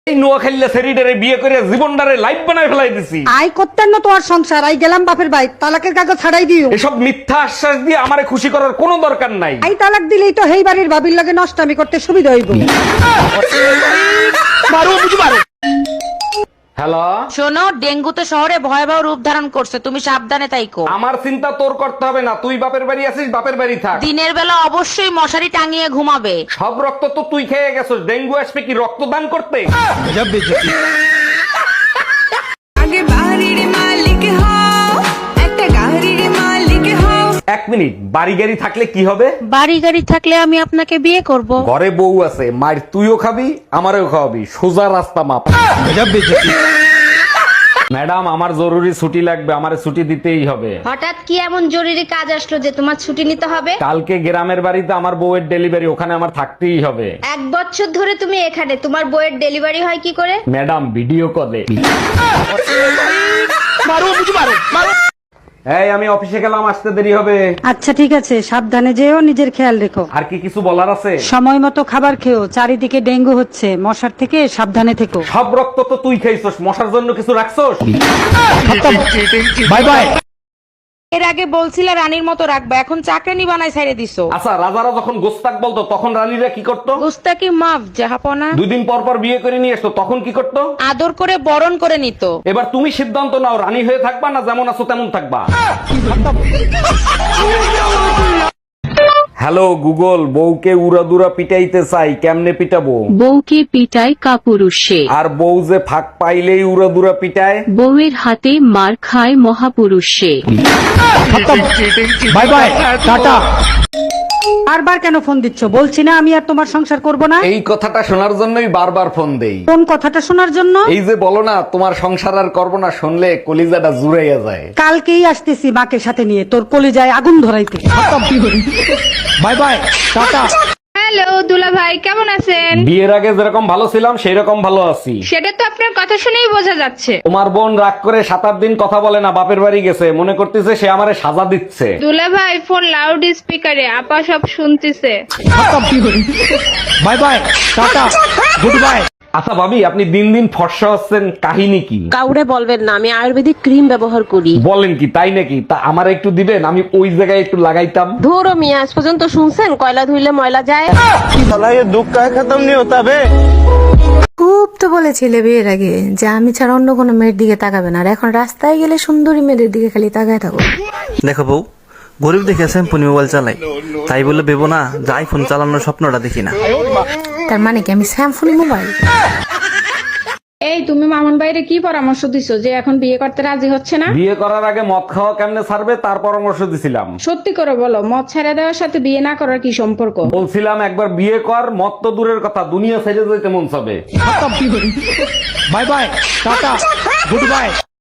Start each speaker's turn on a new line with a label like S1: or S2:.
S1: এই নোয়াখালীর সেরিডারে বিয়ে করে জীবনটারে লাইফ বানায় ফেলাই দিছি।
S2: আই করতেন না তোমার সংসার, আই গেলাম বাপের বাড়ি, তালাকের কাগজ ছাড়াই দিও।
S1: এসব মিথ্যা আশ্বাস দিয়ে আমারে খুশি করার কোনো দরকার নাই।
S2: আই তালাক দিলেই তো হেই বাড়ির ভাবির লগে নষ্টামি করতে সুবিধা হইব।
S1: হ্যালো,
S3: শোনো, ডেঙ্গু তো শহরে ভয়াবহ রূপ ধারণ করছে, তুমি সাবধানে তাইকো।
S1: আমার চিন্তা তোর করতে হবে না, তুই বাপের বাড়ি আছিস, বাপের বাড়ি থাক।
S3: দিনের বেলা অবশ্যই মশারি টাঙিয়ে ঘুমাবে।
S1: সব রক্ত তো তুই খেয়ে গেছিস, ডেঙ্গু আসবে কি রক্তদান করতে?
S4: আগে বাড়ির মালিক হও, একটা গাড়ির মালিক হও।
S1: এক মিনিট, বাড়ি গাড়ি থাকলে কি হবে?
S3: বাড়ি গাড়ি থাকলে আমি আপনাকে বিয়ে করব।
S1: ঘরে বউ আছে, মায়ের তুইও খাবি আমারও খাওয়াবি, সোজা রাস্তা মাপ। ম্যাডাম, আমার জরুরি ছুটি লাগবে, আমারে ছুটি দিতেই হবে।
S5: হঠাৎ কি এমন জরুরি কাজ আসলো যে তোমার ছুটি নিতে হবে?
S1: কালকে গ্রামের বাড়িতে আমার বউয়ের ডেলিভারি, ওখানে আমার থাকতেই হবে।
S5: 1 বছর ধরে তুমি এখানে, তোমার বইয়ের ডেলিভারি হয় কি করে?
S1: ম্যাডাম, ভিডিও কলে। এই, আমি অফিসে গেলাম, আসতে দেরি হবে।
S2: আচ্ছা ঠিক আছে, সাবধানে যেও, নিজের খেয়াল রেখো।
S1: আর কি কিছু বলার আছে?
S2: সময় মতো খাবার খেও, চারিদিকে ডেঙ্গু হচ্ছে, মশার থেকে সাবধানে থেকো।
S1: সব রক্ত তো তুই খাইছস, মশার জন্য কিছু রাখছস?
S2: Bye bye.
S3: এর আগে বলছিলে রানীর মতো রাখবা, এখন চাকরানি বানাই ছেড়ে দিছো।
S1: আচ্ছা, রাজারা যখন গোস্তাক বলতো তখন রানীরা কি করতো?
S3: গুস্তাকি মাফ জাহাপনা।
S1: 2 দিন পর পর বিয়ে করে নিয়ে আসতো, তখন কি করতো?
S3: আদর করে বরণ করে নিত।
S1: এবার তুমি সিদ্ধান্ত নাও, রানী হয়ে থাকবা না যেমন আছো তেমন থাকবা। হ্যালো গুগল, বউকে উড়াদুরা পিটাইতে চাই, কেমনে পিটাবো?
S6: বউকে পিটায় কাপুরুষে,
S1: আর বউ যে ফাঁক পাইলেই উড়াদুরা পিটায়।
S6: বউয়ের হাতে মার খায় মহাপুরুষে।
S1: By bye, tata.
S2: বারবার কেন ফোন দিচ্ছ? বলছি না আমি আর তোমার সংসার করব না।
S1: এই কথাটা শোনার জন্যই বারবার ফোন দেই।
S2: কোন কথাটা শোনার জন্য?
S1: এই যে বলো না তোমার সংসার আর করবো না, শুনলে কলিজাটা জুড়াইয়া যায়।
S2: কালকেই আসতেছি মাকে সাথে নিয়ে, তোর কলিজায় আগুন ধরাইতে।
S1: Bye bye, tata.
S7: হ্যালো দুলা ভাই, কেমন আছেন?
S1: বিয়ের আগে যেরকম ভালো ছিলাম সেই রকম ভালো আছি।
S7: সেটা তো আপনার কথা শুনেই বোঝা যাচ্ছে।
S1: তোমার বোন রাগ করে 7-8 দিন কথা বলে না, বাপের বাড়ি গেছে, মনে করতেছে সে আমারে সাজা দিচ্ছে।
S7: দুলা ভাই, ফোন লাউড স্পিকারে, আপা সব শুনতেছে।
S1: Bye bye, tata, goodbye. আচ্ছা ভাবি, আপনি দিন দিন ফর্সা হচ্ছেন, কাহিনী কি?
S8: কাউরে বলবেন না, আমি আয়ুর্বেদিক ক্রিম ব্যবহার করি।
S1: বলেন কি, তাই নাকি? তা আমার একটু দিবেন, আমি ওই জায়গায় একটু লাগাইতাম।
S8: ধরো মিয়া, আজ পর্যন্ত শুনছেন কয়লা ধুইলে ময়লা যায়?
S9: খুব তো বলেছিলে বিয়ের আগে যে আমি ছাড়া অন্য কোনো মেয়ের দিকে তাকাবে না, আর এখন রাস্তায় গেলে সুন্দরী মেয়েদের দিকে খালি তাকায় থাকো।
S10: দেখো বউ, গরিব দেখে স্যাম্পুনি মোবাইল চালাই, তাই বলে ভেবো না যে আইফোন চালানোর স্বপ্নটা দেখি না।
S9: তার মানে কি আমি স্যামফোনি মোবাইল?
S7: এই তুমি মামুন ভাইরে কি পরামর্শ দিছো যে এখন বিয়ে করতে রাজি হচ্ছে না?
S1: বিয়ে করার আগে মদ খাওয়া কেমনে ছাড়বে তার পরামর্শ দিছিলাম।
S7: সত্যি করে বলো, মদ ছেড়ে দেওয়ার সাথে বিয়ে না করার কি সম্পর্ক?
S1: বলছিলাম একবার বিয়ে কর, মদ তো দূরের কথা, দুনিয়া ছেড়ে যেতে মন চাবে। Bye bye, tata, good bye.